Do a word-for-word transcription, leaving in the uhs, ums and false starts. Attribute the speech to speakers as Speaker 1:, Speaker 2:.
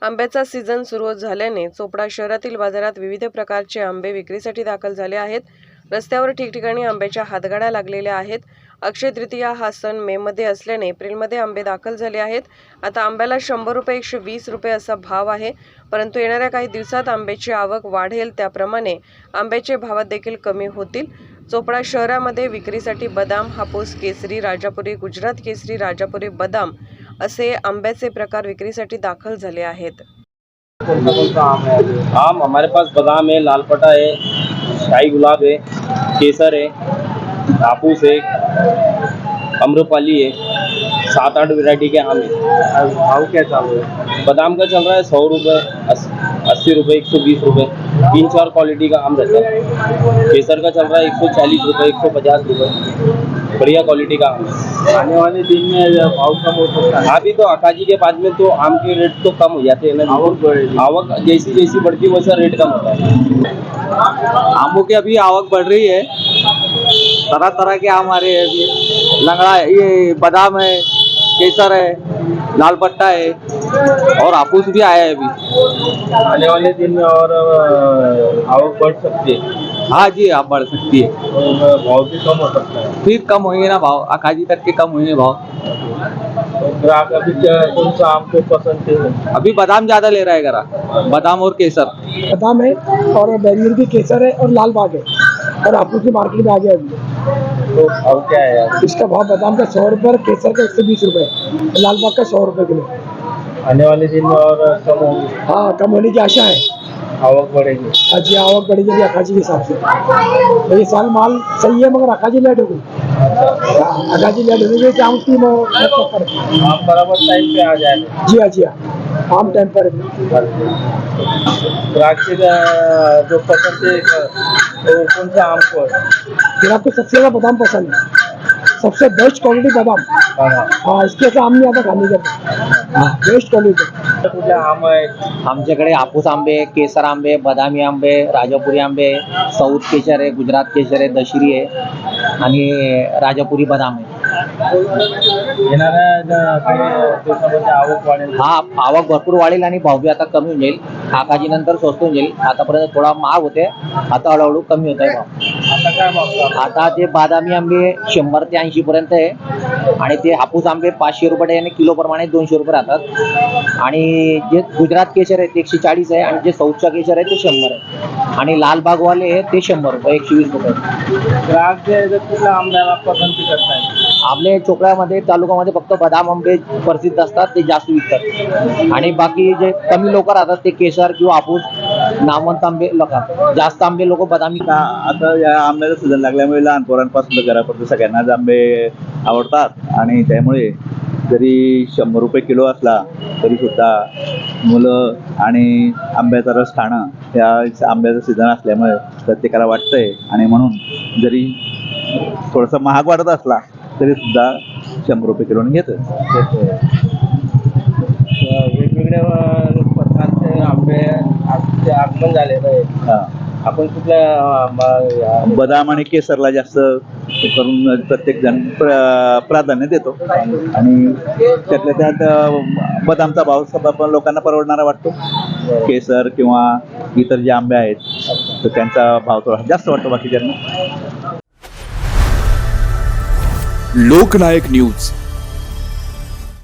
Speaker 1: आंब्याचा सीझन सुरू झाल्याने चोपडा शहरातील बाजारात विविध प्रकारचे आंबे विक्रीसाठी दाखल झाले आहेत। रस्त्यावर ठिकठिकाणी आंब्याच्या हातगाड्या लागलेल्या आहेत। अक्षय तृतीया हा सण मे मध्ये असल्याने एप्रिलमध्ये आंबे दाखल झाले आहेत। आता आंब्याला शंभर रुपये एकशे वीस रुपये असा भाव आहे, परंतु येणाऱ्या काही दिवसात आंब्याची आवक वाढेल, त्याप्रमाणे आंब्याचे भावात देखील कमी होतील। चोपडा शहरामध्ये विक्रीसाठी बदाम, हापूस केसरी, राजापुरी, गुजरात केसरी, राजापुरी बदाम असे आंब्याचे प्रकार विक्रीसाठी दाखल झाले आहेत।
Speaker 2: आम हमारे पास बादाम है, लालपटा है, शाही गुलाब है, केसर है, हापूस है, अम्रपाली है, सात आठ वैरायटी के आम है।
Speaker 3: भाव क्या चालू है?
Speaker 2: बादाम का चल रहा है सौ रुपये, अस्सी रुपये, एक सौ बीस रुपये, तीन चार क्वालिटी का आम रहता है। केसर का चल रहा है एक सौ चालीस रुपये, एक सौ पचास रुपये, बढ़िया क्वालिटी का आम है।
Speaker 3: आने वाले दिन में भाव कम हो सकता है।
Speaker 2: अभी तो अकाजी के बाद में तो आम के रेट तो कम हो जाते हैं ना,
Speaker 3: आवक बढ़ेगी।
Speaker 2: आवक जैसी जैसी बढ़ती है वैसा रेट कम होता है।
Speaker 3: आमों की अभी आवक बढ़ रही है, तरह तरह के आम आ रहे हैं अभी। लंगड़ा है, ये बादाम है, केसर है, लाल पट्टा है और हापूस भी आया है अभी।
Speaker 2: आने वाले दिन में और आवक बढ़ सकती है।
Speaker 3: हाँ जी, आप बढ़ सकती है,
Speaker 2: तो भाव भी कम हो सकता है।
Speaker 3: फिर कम होंगे ना भाव, अकाजी तक के कम होंगे भाव।
Speaker 2: तो ग्राहक अभी क्या- कौन सा आम को पसंद है?
Speaker 3: अभी बादाम ज्यादा ले रहा है ग्राहक, बादाम और केसर।
Speaker 4: बादाम है और बैरियर की केसर है और लाल बाग है और हापूस की मार्केट में आ गया अभी।
Speaker 2: तो भाव क्या है यार?
Speaker 4: इसका भाव बादाम का सौ रुपये, केसर का एक सौ बीस रुपये, लाल बाग का सौ रुपये किलो।
Speaker 2: आने वाले दिन में और कम होगी,
Speaker 4: हाँ, कम होने की आशा है।
Speaker 2: आवक बढ़ेगी।
Speaker 4: आज ये आवक बढ़ेगी अभी अकाजी के हिसाब से। तो ये साल माल सही है मगर अकाजी लेट हो गई। हाँ, अकाजी लेट होने की आम की मो- पर
Speaker 2: आप बराबर टाइम पे आ जाएंगे।
Speaker 4: जी हाँ जी हाँ, आम टाइम पर है।
Speaker 2: ग्राहक के अ, जो पसंद है तो कौन सा आम को है?
Speaker 4: फिर आपको सबसे ज़्यादा बादाम पसंद है, सबसे बेस्ट क्वालिटी बादाम।
Speaker 2: हाँ,
Speaker 4: हाँ, इसके ऐसा आम नहीं आता खाने का। हाँ, बेस्ट क्वालिटी।
Speaker 2: कुठले आम आहे?
Speaker 5: आमच्याकडे हापूस आंबे, केसर आंबे, बदामी आंबे, राजापुरी आंबे, सौद केशर आहे, गुजरात केशर आहे, दशरी आहे आणि राजापुरी बदाम आहे।
Speaker 2: येणाऱ्या ज- काही दिवसामध्ये आवक वाढेल।
Speaker 5: हा आवक भरपूर वाढेल आणि भाव बी आता कमी होऊन जाईल। आकाजी नंतर स्वस्त होऊन जाईल। आतापर्यंत थोडा महाग होते, आता हळूहळू कमी होत आहे भाव।
Speaker 2: आता काय भाव चालू आहे?
Speaker 5: आता ते बादामी आंबे शंभर ते ऐंशी पर्यंत आहे आणि ते हापूस आंबे पाचशे रुपये आणि किलो प्रमाणे दोनशे रुपये राहतात आणि जे गुजरात केशर आहे ते एकशे चाळीस आहे आणि जे सौदचा केशर आहे ते शंभर आहे आणि लालबागवाले आहे ते शंभर रुपये, एकशे वीस रुपये।
Speaker 2: ग्राहक जे आहे ते कुठल्या आंब्याला पसंती करताय?
Speaker 5: आपले चोपड्यामध्ये तालुक्यामध्ये फक्त बदाम आंबे प्रसिद्ध असतात, ते जास्त विकतात आणि बाकी जे कमी लोक राहतात ते केसर किंवा हापूस नामवंत आंबे लोक, जास्त आंबे लोक बदामी।
Speaker 6: आता आता या आंब्याचा सीझन लागल्यामुळे लहान पोरांपासून तर घरापर्यंत सगळ्यांनाच आंबे आवडतात आणि त्यामुळे जरी शंभर रुपये किलो असला तरी सुद्धा मुलं आणि आंब्याचा रस खाणं या आंब्याचा सीझन असल्यामुळे प्रत्येकाला वाटतंय आणि म्हणून जरी थोडासा महाग वाटत असला तरी सुद्धा शंभर रुपये किलोने घेतं।
Speaker 2: वेगवेगळ्या प्रकारचे आंबे आजचे आगमन झालेलं आहे।
Speaker 6: हां,
Speaker 2: आपण कुठल्या अं,
Speaker 6: बदाम आणि केसरला जास्त करून प्रत्येक जण प्र प्राधान्य देतो आणि त्यातल्या त्यात अ, बदामचा भाव सगळा लोकांना परवडणारा वाटतो। केसर किंवा इतर जे आंबे आहेत तर त्यांचा भाव थोडा जास्त वाटतो बाकीच्यांना।
Speaker 7: लोकनायक न्यूज